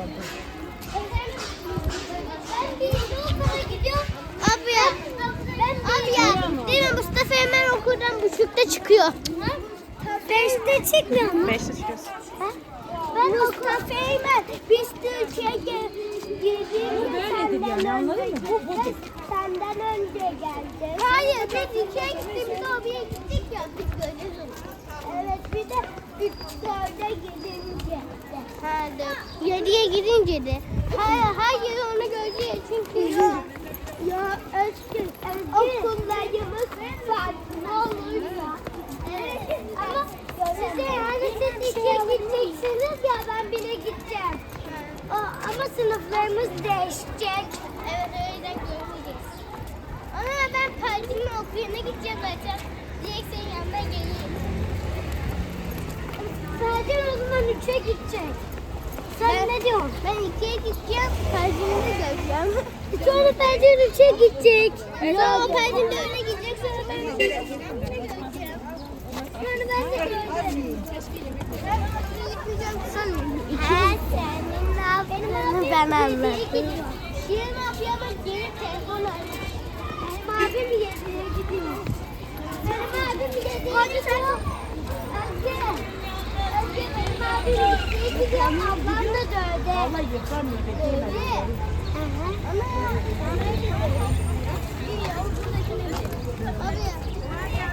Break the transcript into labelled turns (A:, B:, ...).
A: Ben birinci okula gidiyorum. Abi ya. Değil mi? Mustafa hemen okuldan buçukta çıkıyor. Beşte çıkmıyor mu?
B: 5'te çıkıyorsun.
A: Ben Mustafa hemen biz Türkiye'ye girdiğimde senden önce geldi. Hayır, biz ikiye gittiğimizde oraya gittik ya. Biz görürüz. Evet, bir de biz 4'e gidince. Ha, 7'ye gidince de. Hayır onu göreceğiz çünkü ya Özgür okullarımız farklı olur ya. Evet ama size yani siz ikiye gideceksiniz ya ben bile gideceğim. Ama sınıflarımız değişecek. Evet öyle görmeyeceğiz. Ama ben partimin okuluna gideceğim zaten. Direkt senin yanına geleyim. Sadece o zaman 3'e gidecek. Sen ne diyorsun? Ben 2'ye gideceğim, Percin'i göreceğim. Sonra Percin 3'e gidecek. Sonra o Percin de öyle gidecek, sonra ben 3'e gideceğim. Sonra ben de göreceğim. Sen senin ne yaptığını ben anlattım. Şirin abi ama geri telefon arıyor. Benim abim 7'ye gidiyor. Benim abim 7'ye gidiyor. Önce benim abim 7'ye gidiyor. Ablam da 4'e.